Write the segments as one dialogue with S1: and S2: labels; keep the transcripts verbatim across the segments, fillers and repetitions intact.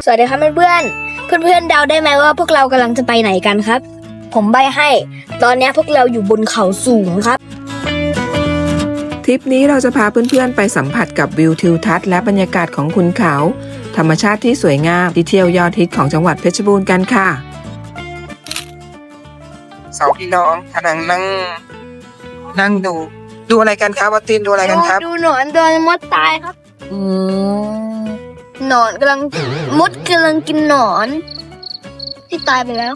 S1: สวัสดีครับเพื่อนๆ เพื่อนๆเดาได้ไหมว่าพวกเรากำลังจะไปไหนกันครับ ผมใบ้ให้ ตอนนี้พวกเราอยู่บนเขาสูงครับ
S2: ทริปนี้เราจะพาเพื่อนๆไปสัมผัสกับวิวทิวทัศน์และบรรยากาศของขุนเขา ธรรมชาติที่สวยงามที่เที่ยวยอดฮิตของจังหวัดเพชรบูรณ์กันค่ะสองพี่น้องกำลังนั่งนั่งดูดูอะไรกันครับวัตตินดูอะไรกันครับ
S1: ดูหนอนโดนมดตายครับ
S2: อืม
S1: หนอนกำลังมดกำลังกินหนอน ที่ตายไปแล้ว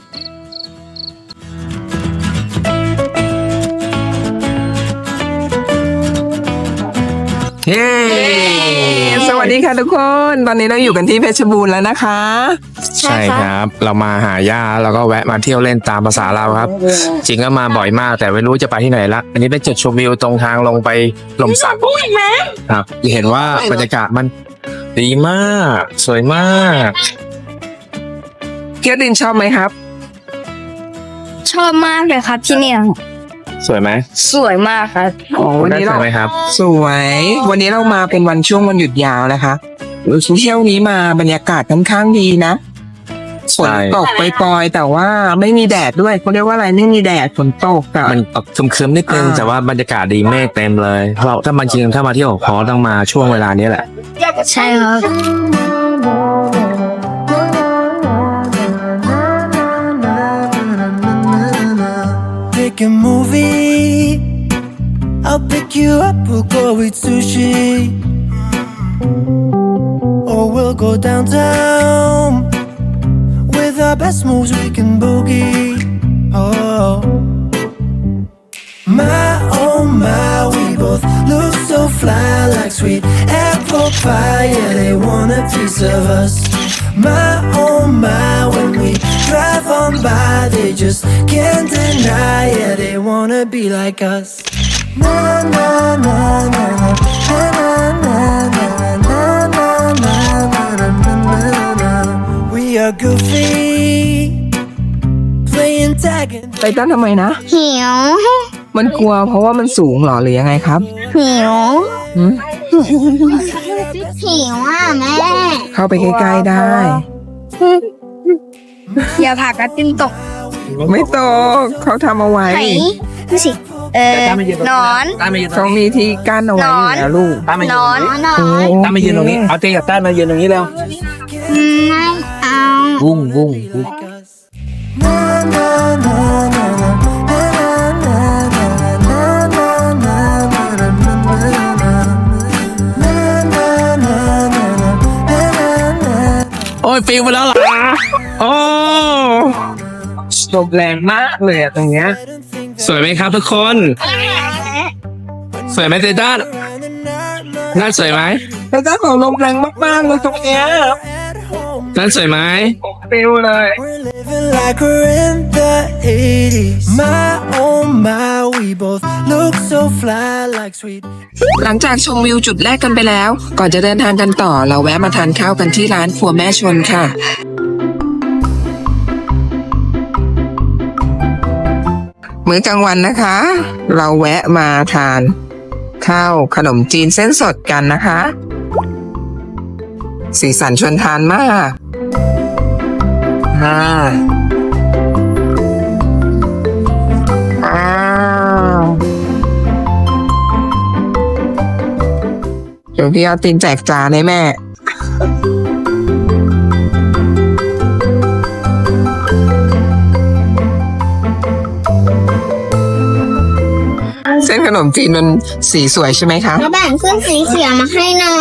S2: เย้สวัสดีค่ะทุกคน ตอนนี้เราอยู่กันที่เพชรบูรณ์แล้วนะคะ
S1: ใช่
S3: ใช่
S1: ครับ
S3: ครับ เรามาหาย่าแล้วก็แวะมาเที่ยวเล่นตามภาษาเราครับ จริงก็มาบ่อยมากแต่ไม่รู้จะไปที่ไหนละอันนี้เป็นจุดชมวิวตรงทางลงไปลมสักครับเห็นว่าบรรยากาศมันดีมาก สวยมาก
S2: เกียวตินชอบไหมครับ
S1: ชอบมากเลยครับที่เนี่ย
S3: สวยไหม
S1: สวยมากครับ
S2: อ๋อวัน
S3: ได้
S2: นี้
S3: ส
S2: เรา
S3: วยไหมครับ
S2: สวย วันนี้เรามาเป็นวันช่วงวันหยุดยาวนะคะเที่ยวนี้มาบรรยากาศค่อนข้างดีนะฝน
S3: ใช่
S2: ตกไปปล่อยๆแต่ว่าไม่มีแดดด้วยเขาเรียกว่าอะไรไม่มีแดดฝนตกแต่
S3: มันตกครึมๆนิดนึง
S2: อ่า
S3: แต่ว่าบรรยากาศดีเมฆเต็มเลยเราถ้ามันจริงถ้ามาเที่ยวขอต้องมาช่วงเวลานี้แหละ
S1: ใช่ครับ
S4: Pick a movie. I'll pick you up. We'll go eat sushi, or we'll go downtown. With our best moves, we can boogie. Oh, my oh my, we both look so fly, like sweet apple pie. Yeah, they want a piece of us. My oh my, when we drive on by, they just can't deny. Yeah, they wanna be like us. Na na na na na na na na na na na na na. We are goofy, playing tag and
S2: ไตตันทำไมนะ
S1: หิว
S2: มันกลัวเพราะว่ามันสูงเหรอหรือยังไงครับ
S1: หิว
S2: หืม
S1: หิวอ่ะแม่
S2: เข้าไปใกล้ๆได้
S1: อย่าผลักกระติ้นตก
S2: ไม่ตกเขาทำเอาไว้
S1: ไหนดูสิ เออนอน
S2: เขามีที่กั้นเอาไว้อยู่แล้วลูก
S3: ตามมายื
S1: น
S3: น
S1: อนนอน
S2: โอ้
S3: ตามมายืนตรงนี้ เอาเตียงกับต้านมายืนตรงนี้แล้ว
S1: ไม่เอา
S3: วุ้งวุ้งวุ้ง
S4: like us. Na na na na na na na na na na na na.
S3: โอ้ยฟิลไปแล้วเหรอ
S2: โอ้ลมแรงมากเลยอะตรงเนี้ย
S3: สวยไหมครับทุกคน สวยไหมเตต้าน่าสวยไหม
S2: แต่เจ้าของลมแรงมากๆเลยตรงเนี้ย
S3: น่าสวยไหม
S2: ฟิวเลย
S4: We're living like we're in the eighties. My oh my, we both look so fly, like sweet.
S2: หลังจากชมวิวจุดแรกกันไปแล้ว ก่อนจะเดินทางกันต่อ เราแวะมาทานข้าวกันที่ร้านครัวแม่ชนค่ะ มื้อกลางวันนะคะ เราแวะมาทานข้าวขนมจีนเส้นสดกันนะคะ สีสันชวนทานมากอ่าอ้าวเดี๋ยวพี่เอาตินแจกจานให้แม่ เส้นขนมจีนมันสีสวยใช่ไหมคะ
S1: ก็แบ่งขึ้นสีเขียวมาให้หน่อย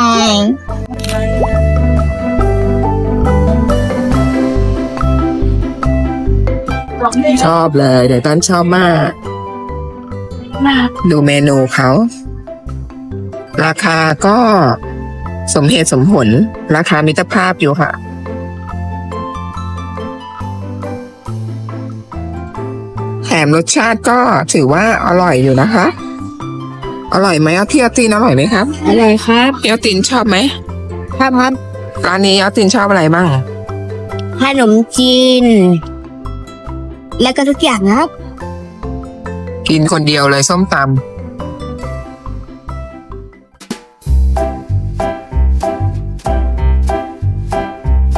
S2: ชอบเลยเดี๋ยวต้นชอบมาก ดูเมนูเขา ราคาก็สมเหตุสมผล ราคามิตรภาพอยู่ค่ะ แถมรสชาติก็ถือว่าอร่อยอยู่นะคะ อร่อยไหมเอาที่เอาตินอร่อยไหมครับ
S1: อร่อยครับ
S2: เอาตินชอบไหม
S1: ครับครับ
S2: ร้านนี้เอาตินชอบอะไรบ้าง
S1: ขนมจีน แล้วก็ทุกอย่างครับ
S2: กินคนเดียวเลยส้มตำ
S4: ม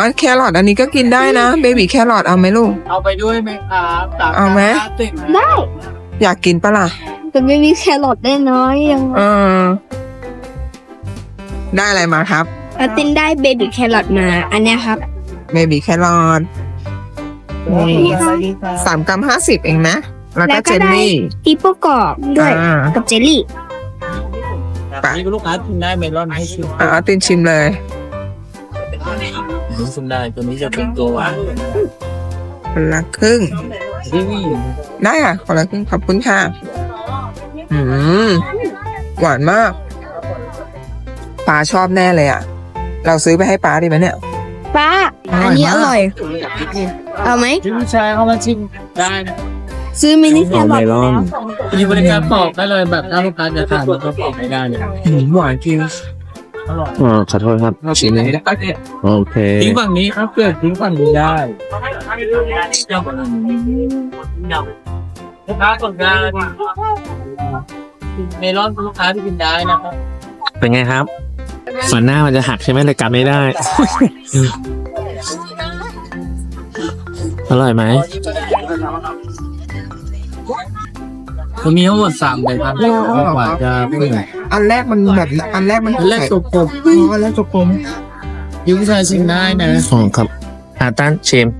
S2: อันแครอทอันนี้ก็กินได้นะเบบี้แครอทเอาไหมลูก
S5: เอาไปด้วยไหมครับส
S2: เอาไหม
S5: ติด
S1: ได้
S2: อยากกินปะล่ะ
S1: แต่ไม่มีแครอทได้น้อยยัง
S2: เออ ได้อะไรมาครับ
S1: อาตินได้เบบี้แครอทมา อันเนี้ยครับ
S2: เบบี้แครอทนี่สามกรัมห้าสิบเองนะ แล้วก็เจลลี่
S1: ปีโป้กรอบด้วย
S2: อ่า
S1: กับเจลลี่
S2: ไป
S5: นี่ลูกค้ากินได้เมลอนให้ชิม
S2: อ่ะเอาตินชิมเลย
S5: ชิมได้ตัวนี้จะเป็นตัวหวาน
S2: คนละครึ่ง
S5: ที่นี่
S2: ได้ค่ะคนละครึ่งขอบคุณค่ะ อืม หวานมากป้าชอบแน่เลยอ่ะ เราซื้อไปให้ป้าดีไหมเนี่ย
S1: ป้า อันนี้อร่อย เอาไหม
S5: ที่ผู้ชายเขามาชิมได้นะ
S1: ซื้อมินิแครอท
S3: เมลอน
S5: มีบริการปอกได้เลยแบบถ้าลูกค้าจะทานมันก็ปอกให้ได้เลย
S2: หวานจริง
S5: อร่อย
S3: อ๋อขอโทษครับ
S2: ชิมเลย
S3: โอเค
S5: ทิ้งฝั่งนี้ครับเพื่อนทิ้งฝั่งนี้ได้ลูกค้ากดได้เมลอนลูกค้าที่กินได้นะครับ
S3: เป็นไงครับฝันหน้ามันจะหักใช่ไหมเลยกลับไม่ได้ อร่อยไหม
S5: จะมีทั้งหมดสามแบบครับกว่าจะเปื่อย
S2: อันแรกมันแบบอันแรกมัน
S5: อันแรกตัวกลม
S2: อ๋ออันแรกตัวกลม
S5: ยูผู้ชายชิมได้นะ
S3: อ๋อครับอาตันชิม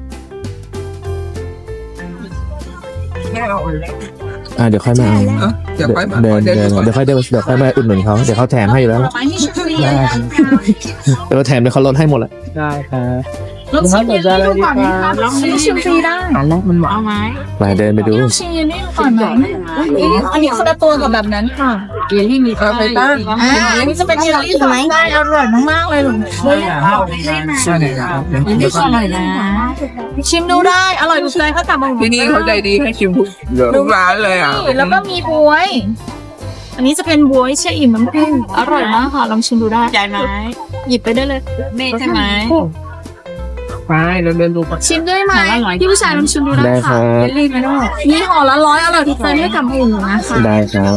S3: อ่าเดี๋ยวค่อยมาเอา
S2: เอ้าเดี๋ยวค่อยมา
S3: เดิน
S2: เดิ
S3: เดิน
S2: นก่อน
S3: เดี๋ยวค่อยเดินเดี๋ยวค่อยมาอุดหนุนเขาเดี๋ยวเขาแถมให้อยู่แล้วเดี๋ยวแถมเดี๋ยวเขาลดให้หมดแหละ
S5: ได้ครับลูกค้าสนใจอะไรดีครับ
S6: ชิมฟรีได้
S2: อันแรกมันหวาน
S6: เอาไหม
S3: ไปเดินไปดู
S6: ชิมนี่ก่อนไหมอันนี้คนละตัวกับแบบนั้นค่ะเยลลี่มี
S2: เอาไปตั้ง
S6: อ่าอันนี้จะเป็นเยลลี่ไหมได้อร่อยมากๆเลยหนู
S2: ใช่เลยครับ
S6: นี่อร่อยนะ ชิมดูได้ อร่อยถูกใจเขากลับมา
S2: ที่นี่เขาใจดีให้ชิมทุกทุกร้านเลยอ่ะ
S6: แล้วก็มีบวย อันนี้จะเป็นบวยเชี่ยอิ่มน้ำผึ้งอร่อยมากค่ะ ลองชิมดูได้ใจไหมหยิบไปได้เลยเมย์ใช่ไหม
S2: ไปเราเดินดูก่อน
S6: ชิมด้วยไหมพี่ผู้ชายลองชิมดูได้
S3: ได้ครั
S6: ค่ะ
S3: บ
S6: เยลลี่ไหมลูกนี่ห่อละร้อยอร่อยถูกใจให้กับหมูนะคะ
S3: ได้ครับ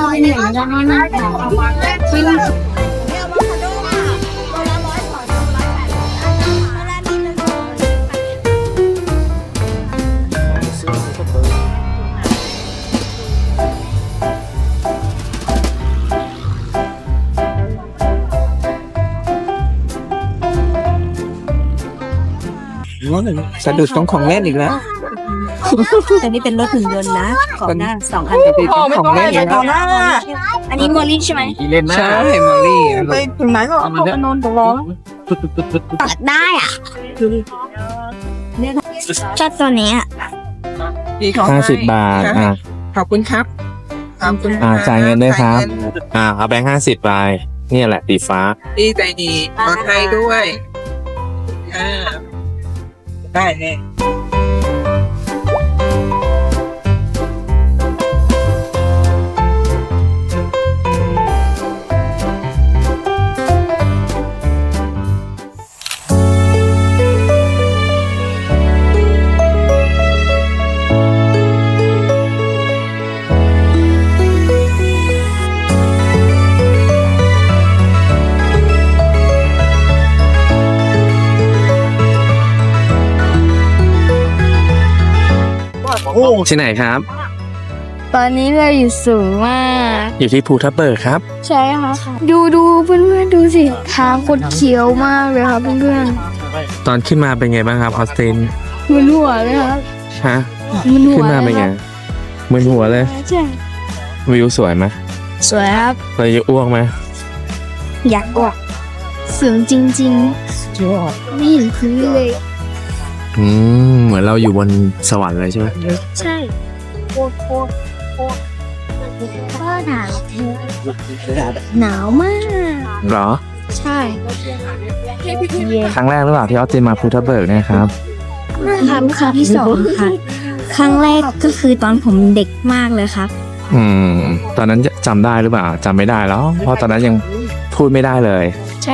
S2: สะดุดตรงของเล่นอีกแล้ว
S1: แต่นี่เป็นรถหุ่นยนต์นะ ของหน้าสองคัน
S2: สะดุดตรงของเล่นอีกแล้ว
S1: อันนี้โมลี่ใช่ไหม
S5: กี่เล่นนะ
S2: ใช่มอลลี่
S1: ไปถึงไหนก็
S5: เอามาเนี่ย
S6: นอนตรงล้อ
S1: ตัดได้อ่ะชอบตัวนี้อ่ะ
S2: ดีเขา
S3: ห้าสิบบาทอ่ะ
S2: ขอบคุณครับขอบคุณ
S3: อ่าจ่ายเงินด้วยครับ
S2: จ่ายเงิน
S3: อ่าเอาแบงค์ห้าสิบไปเนี่ยแหละสีฟ้า
S2: ดีใจดีปลอดภัยด้วยอ่าได้แน่
S3: ที่ไหนครับ
S1: ตอนนี้เราอยู่สูงมาก
S3: อยู่ที่ภูทับเบิกครับ
S1: ใช่ค่ะ ดูดูเพื่อนๆดูสิทางคดเขียวมากเลยครับเพื่อน
S3: ตอนขึ้นมาเป็นไงบ้างครับออสติน
S1: ๆมึนหัวเลยครับ
S3: ฮะ
S1: มึนหัว
S3: ขึ้นมาเป็นไง
S1: ลยครับ
S3: มึนหัวเลย
S1: ใช่
S3: วิวสวยไหม
S1: สวยครับ
S3: เราจะอ้วกไหม
S1: อยากออกสูงจริงๆไม่เห็นพื้นเลย
S3: อืมเหมือนเราอยู่บนสวรรค์เลยใช่ไหม
S1: ใช่โคตรโคตรโคตรก็หนาวหนาวมาก
S3: เหรอ
S1: ใช่เย็น
S3: ครั้งแรกหรือเปล่าที่ออสตินมาภูทับเบิกเนี่ยครับ
S1: ครับครั้งที่สองค่ะ ครั้งแรกก็คือตอนผมเด็กมากเลยครับ
S3: อืม ตอนนั้นจำได้หรือเปล่าจำไม่ได้แล้ว เพราะตอนนั้นยังพูดไม่ได้เลย
S1: ใช่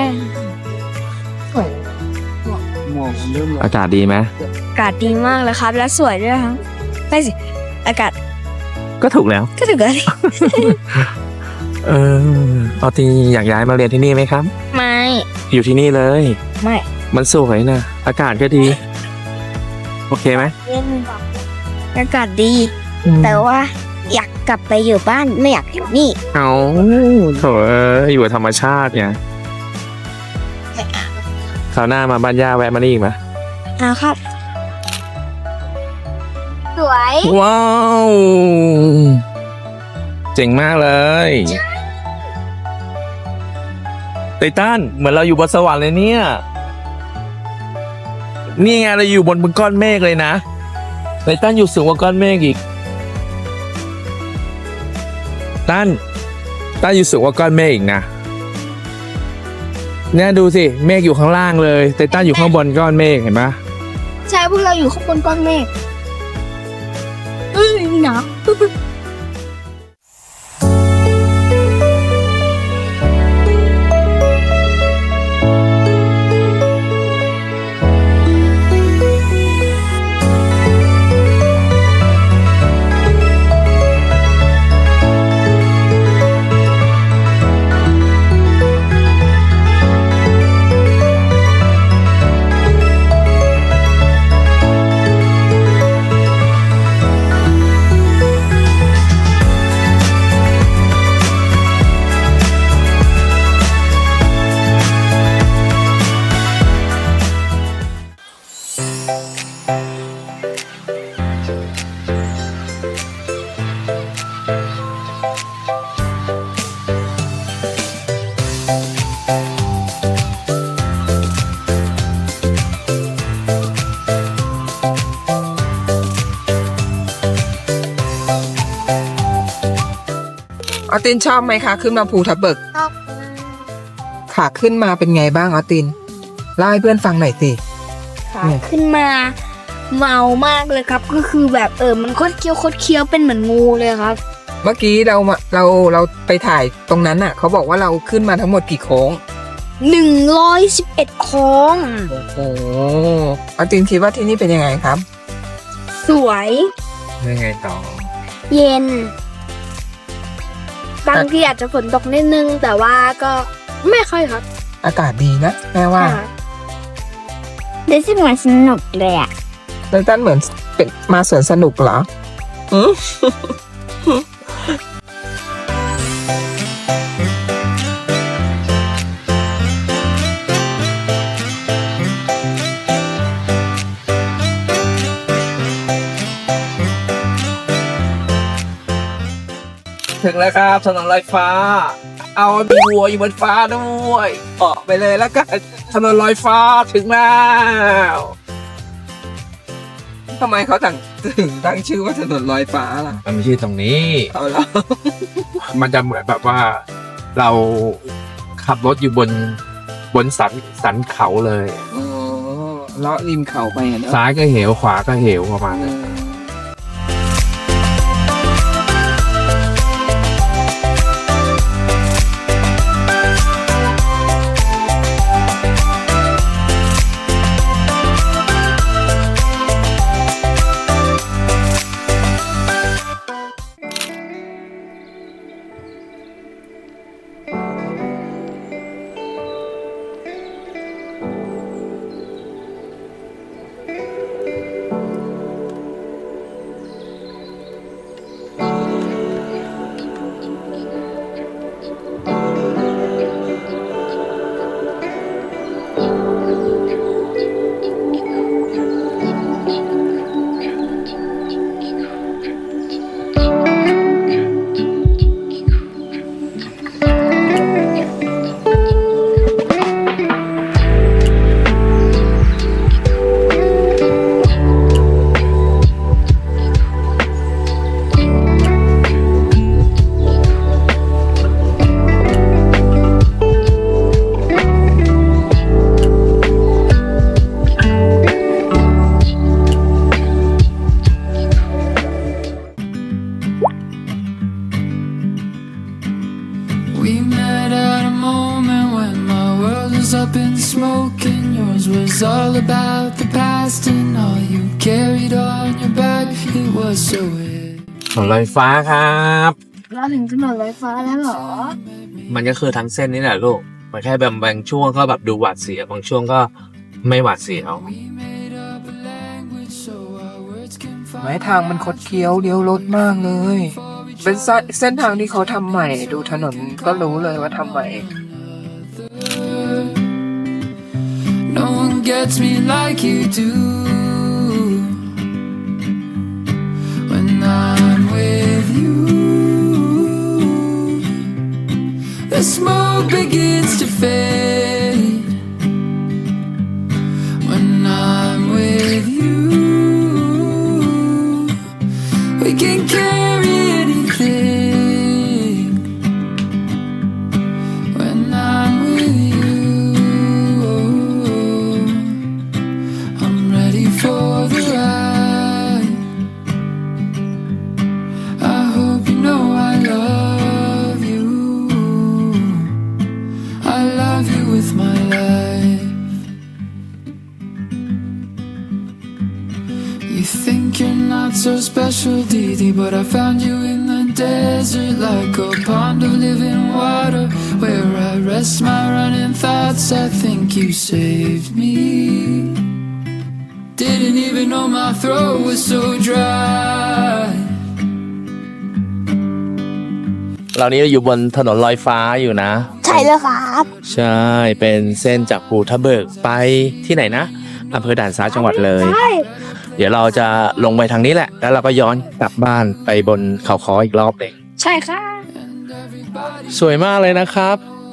S5: หมวกมันเริ่ม
S3: อากาศดีไหม
S1: อากาศดีมากเลยครับ และสวยด้วยครับไม่สิ อากาศ
S3: ก็ถูกแล้ว
S1: ก็ถือว่า
S3: เออออสตินอยากย้ายมาเรียนที่นี่ไหมครับ
S1: ไม่
S3: อยู่ที่นี่เลย
S1: ไม่
S3: มันสวยนะอากาศก็ดี โอเคไหม
S1: เย็นอากาศดี แต่ว่าอยากกลับไปอยู่บ้านไม่อยากอยู่นี่
S3: เอาโถเอ้ยอยู่กับธรรมชาติไงคราวหน้ามาบ้านย่าแวะมานี่อีกไหม
S1: อ่าครับ สวย
S3: ว้าว เจ๋งมากเลยไททันเหมือนเราอยู่บนสวรรค์เลยเนี่ย นี่ไงเราอยู่บนบนก้อนเมฆเลยนะไททันอยู่สูงกว่าก้อนเมฆอีกตั้นตั้นอยู่สูงกว่าก้อนเมฆอีกนะเนี่ยดูสิเมฆอยู่ข้างล่างเลยไททันอยู่ข้างบนก้อนเมฆเห็นปะ
S1: ใช่พวกเราอยู่ข้างบนก้อนเมฆเอ้ยหนาว
S2: ออตินชอบไหมคะขึ้นมาภูทับเบิก
S1: ชอบ
S2: ขาขึ้นมาเป็นไงบ้างออตินเล่าให้เพื่อนฟังหน่อยสิ
S1: ขาขึ้นมาเมามากเลยครับ ก็คือแบบเออมันโคตรเคี้ยวโคตรเคี้ยวเป็นเหมือนงูเลยครับ
S2: เมื่อกี้เรามาเราเราไปถ่ายตรงนั้นน่ะเขาบอกว่าเราขึ้นมาทั้งหมดกี่โค้ง
S1: หนึ่งร้อยสิบเอ็ดโค้ง
S2: โอ้โหออตินคิดว่าที่นี่เป็นยังไงครับ
S1: สวย
S3: ยังไงต่อ
S1: เย็น บางทีอาจจะฝนตกนิดนึง แต่ว่าก็ไม่ค่อยครับ
S2: อากาศดีนะแม่ว่า
S1: รู้สึกเหมือนสนุกเลยอ่ะ
S2: ไททันเหมือนเป็นมาสวนสนุกเหรออืม
S3: ถึงแล้วครับถนนลอยฟ้า เอามีวัวอยู่บนฟ้าด้วยออกไปเลยแล้วกันถนนลอยฟ้าถึงแล้ว
S2: ทำไมเขาถึงถึงตั้งชื่อว่าถนนลอยฟ้าล่ะ
S3: มันไม่ใช่ตรงนี้
S2: เอาละ
S3: มันจะเหมือนแบบว่าเราขับรถอยู่บนบนสันสันเขาเลย
S2: อ๋อเลาะริมเขาไปอ่ะเนอะ
S3: ซ้ายก็เหวขวาก็เหวประมาณนั้น
S7: We met at a moment when my world was up in smoke and yours was all about the past and all you carried on your back. It was so weird.
S3: ถนนลอยฟ้าครับ
S1: เราถึงถนนลอยฟ้าแล้วเหรอ
S3: มันก็คือทั้งเส้นนี่แหละลูก มันแค่แบบบางช่วงก็แบบดูหวาดเสียวบางช่วงก็ไม่หวาดเสียว
S2: ไม้ทางมันคดเคี้ยวเลี้ยวรถมากเลย เป็นเส้นทางที่เขาทำใหม่ ดูถนนก็รู้เลยว่าทำใหม่
S7: No one gets me like you do. When I'm with you, the smoke begins to fade. When I'm with you, we can carry anything. When I'm with you, I'm ready for the ride. I hope you know I love you. I love you with my life. You think you're not so special, Didi, but I found you in the desert like a pond of living water where I rest my running thoughts. I think you saved me. Didn't even know my throat was so dry.
S3: เรานี้อยู่บนถนนลอยฟ้าอยู่นะ
S1: ใช่แล้วครับ
S3: ใช่ เป็นเส้นจากภูทับเบิกไปที่ไหนนะอำเภอด่านซ้ายจังหวัดเลย
S1: ใช่
S3: เดี๋ยวเราจะลงไปทางนี้แหละ แล้วเราก็ย้อนกลับบ้านไปบนเขาค้ออีกรอบหนึ่ง
S1: ใช่ค่ะ
S3: สวยมากเลยนะครับ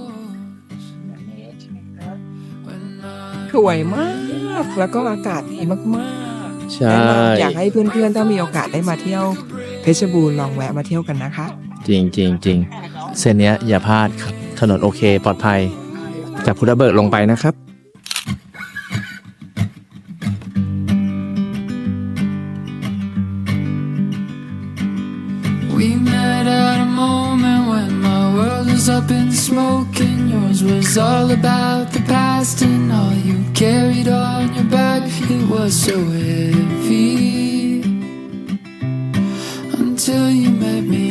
S2: สวยมาก แล้วก็อากาศดีมาก
S3: ใช่
S2: ๆแนะนำอยากให้เพื่อนๆถ้ามีโอกาสได้มาเที่ยวเพชรบูรณ์ลองแวะมาเที่ยวกันนะคะ
S3: จริงจริงจริงเส้นเนี้ยอย่าพลาดครับ ถนนโอเคปลอดภัย จากภูทับเบิกลงไปนะครับ
S7: We met at a moment when my world was up in smoke and yours was all about the past and all you carried on your back. It was so heavy until you met me.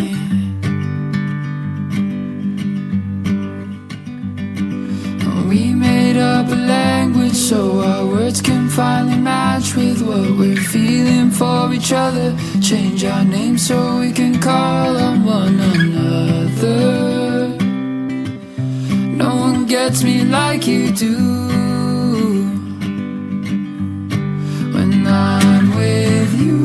S7: We made up a language so our words can finally match with what we're feeling for each other. Change our names so we can call on one another. No one gets me like you do. When I'm with you,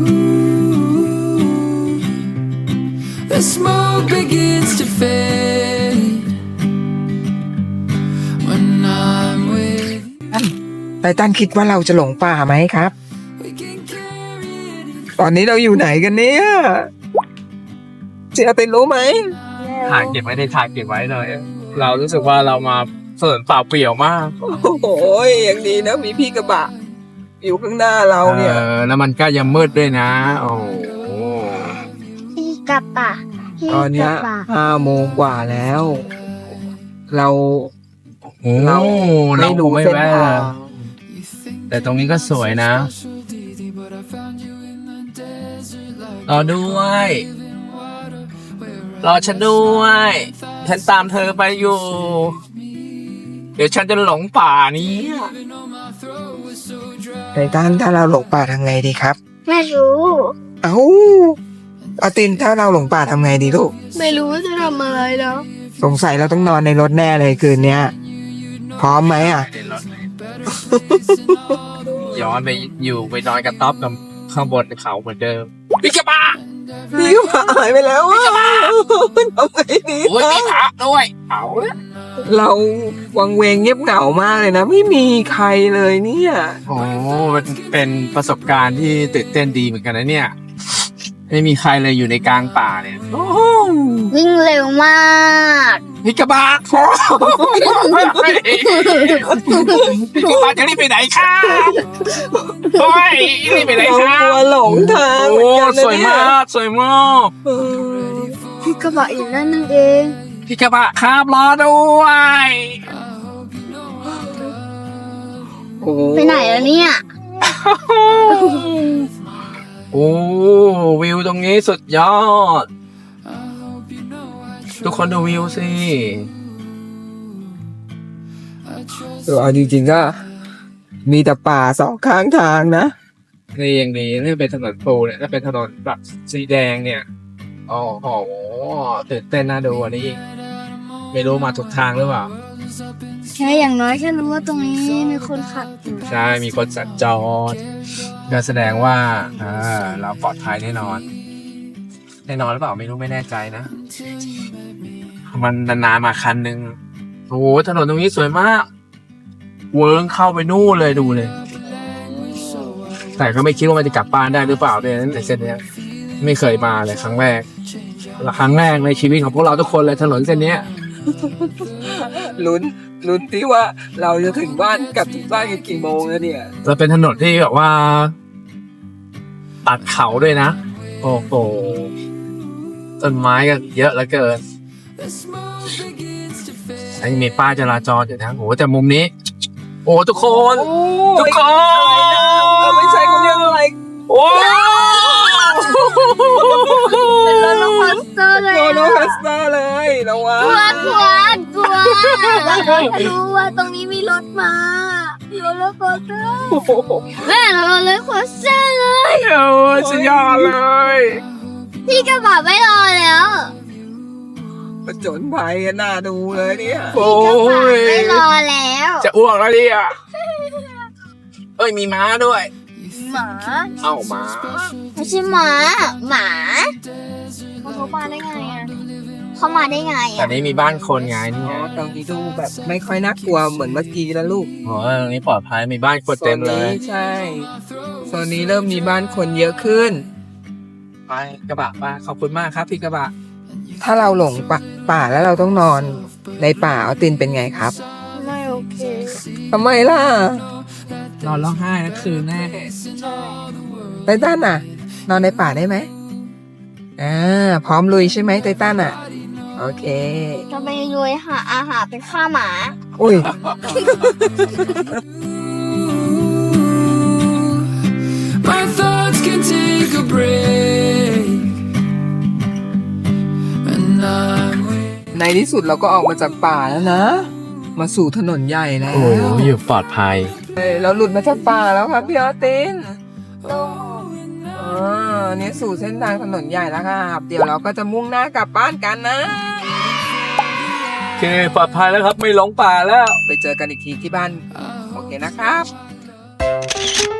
S7: the smoke begins to fade. When I'm with you,
S2: ไททันคิดว่าเราจะหลงป่าไหมครับ
S7: we can carry anything.
S2: ตอนนี้เราอยู่ไหนกันเนี่ยเจียตินรู้ไหม
S5: ถ่ายเก็บไว้ในถ่ายเก็บไว้เลย เรารู้สึกว่าเรามาเฟินเปล่าเปลี่ยวมาก
S2: โอ้โหยังดีนะมีพี่กระบะอยู่ข้างหน้าเราเนี่ย
S5: เออแล้วมันก็ยังมืดด้วยนะ โอ้โห
S1: พี่กระปะพี่
S2: ตอนเนี้ย
S1: กระปะ
S2: ห้าโมงกว่าแล้ว เรา
S5: โอ้
S2: เรา
S5: เรา
S2: ไม่
S5: ค
S2: รู้
S5: งไม่
S2: เส้น
S5: แวะ
S2: ทาง
S5: แต่ตรงนี้ก็สวยนะ รอด้วย รอฉันด้วย ฉันตามเธอไปอยู่ เดี๋ยวฉันจะหลงป่านี้
S2: ไททันถ้าเราหลงป่าทำไงดีครับ
S1: ไม่รู้
S2: เอ้าอาตินถ้าเราหลงป่าทำไงดีลูก
S1: ไม่รู้ว่าจะทำอะไรแล้ว
S2: สงสัยเราต้องนอนในรถแน่เลยคืนเนี้ย พร้อมไหมอ่ะ
S5: ย้อนไปอยู่ไปนอนกระต๊อบกับข้างบนเขาเหมือนเดิมพี่กระบะ
S2: พี่ก็หายไปแล้วอ่ะทำไงดี
S5: โอ้ยมีพระด้วยเอาละ
S2: เราวังเวงเงียบเหงามากเลยนะ ไม่มีใครเลยเนี่ย
S5: โอ้มันเป็นประสบการณ์ที่ตื่นเต้นดีเหมือนกันนะเนี่ย ไม่มีใครเลยอยู่ในกลางป่าเนี่ยโอ้โห
S1: วิ่งเร็วมาก
S5: พี่กระบะโอ้พี่กระบะจะรีบไปไหนคะโอ้ยรีบไปไหน
S2: เรา
S5: คะ
S2: กลัวหลงทาง
S5: โอ้
S2: เหมือนกันนะ
S5: สวย
S2: เนี่ย
S5: มากสวยมาก
S2: เออ
S1: พี่กระบะอยู่นั่นนั่นเอง
S5: พี่กระบะครับรอด้วย
S2: โอ้โห
S1: ไปไหนแล้วเนี่ย
S5: โอ้วิวตรงนี้สุดยอด ทุกคนดูวิวสิ
S2: เออเอาจริงๆก็มีแต่ป่าสองข้างทางนะ
S5: นี่ยังดีนี่เป็นถนนปูเนี่ยถ้าเป็นถนนแบบสีแดงเนี่ยโอ้โหตื่นเต้นน่าดูอันนี้อีกไม่รู้มาถูกทางหรือเปล่า
S1: แค่อย่างน้อยแค่รู้ว่าตรงนี้มีคนขับอยู่
S5: ใช่ มีคนสัญจรก็แสดงว่าอ่าเราปลอดภัยแน่นอน แน่นอนหรือเปล่าไม่รู้ไม่แน่ใจนะ มันนานๆมาคันหนึ่งโอ้โหถนนตรงนี้สวยมาก เวิร์งเข้าไปนู่นเลยดูเลย แต่ก็ไม่คิดว่ามันจะกลับบ้านได้หรือเปล่าเนี่ยในเส้นเนี้ยไม่เคยมาเลยครั้งแรกและครั้งแรกในชีวิตของพวกเราทุกคนเลยถนนเส้นเนี้ย
S2: ลุ้นลุ้นที่ว่าเราจะถึงบ้านกลับถึงบ้านกันกี่โมงแล้วเนี่ย
S5: จะเป็นถนนที่แบบว่า ตัดเขาด้วยนะ โอ้โหต้นไม้ก็เยอะเหลือเกินไอ้มีป้ายจราจรอยู่นะโอ้โหแต่มุมนี้ โอ้ทุกคน ทุกคน
S2: ไม่ใช่คนเรียกอะไร
S5: โอ้
S1: เป็นโรลเลอร์คอสเตอร์เลย
S2: โรลเลอร์คอสเตอร์เลยระวัง
S1: กลัวกลัวกลัวรู้ว่าตรงนี้มีรถมาโรลเลอร์คอสเตอร์แม่เราโรลเลอร์คอสเตอร์เลย
S5: โหสุดยอดเลย
S1: พี่กระบะไม่รอแล้ว
S2: ประจนภัยกันน่าดูเลยเนี่ย
S5: โอ้
S1: กระบะ
S5: ย
S1: ไม่รอแล้ว
S5: จะอ้วกแล้วดิอ่ะเอ้ยมีม้าด้วย
S1: หมา
S5: เอ้าม้า
S1: ไม่ใช่หมาหมาเขามาได้ไงอ่ะเขามาได้ไง
S5: แต่
S1: อ่ะ
S5: นี้มีบ้านคนไงนี่
S2: อ๋
S5: ไง
S2: อตรงนี้ดูแบบไม่ค่อยน่ากลัวเหมือนเมื่อกี้แล้วลูก
S5: โอ้ยตรงนี้ปลอดภัยมีบ้านคนเต็มเลย
S2: โซนนี้ใช่โซนนี้เริ่มมีบ้านคนเยอะขึ้น
S5: ไปกระบะมาขอบคุณมากครับพี่กระบะ
S2: ถ้าเราหลงป่าป่าแล้วเราต้องนอนในป่าเอาตินเป็นไงครับ
S1: ไม่โอเค
S2: ทำไมล่ะ
S5: นอนร้องไห้ทั้งคืนแน่
S2: ไตตันอ่ะ นอนในป่าได้ไหมอ่าพร้อมลุยใช่ไหมไตตันอ่ะ โอเค
S1: จะไปรวยหาอาหารเป็นข้าหมา
S2: อุ้ย
S7: My thoughts can take a break. And I'm with
S2: ในที่สุดเราก็ออกมาจากป่าแล้วนะ มาสู่ถนนใหญ่แล้ว
S5: โอ้อยู่ปลอดภัย
S2: เฮ้ยเราหลุดมาจากป่าแล้วครับพี่ออตินอ่านี่สู่เส้นทางถนนใหญ่แล้วครับ เดี๋ยวเราก็จะมุ่งหน้ากลับบ้านกันนะ
S5: โอเคปลอดภัยแล้วครับไม่หลงป่าแล้ว
S2: ไปเจอกันอีกทีที่บ้าน โอเคนะครับ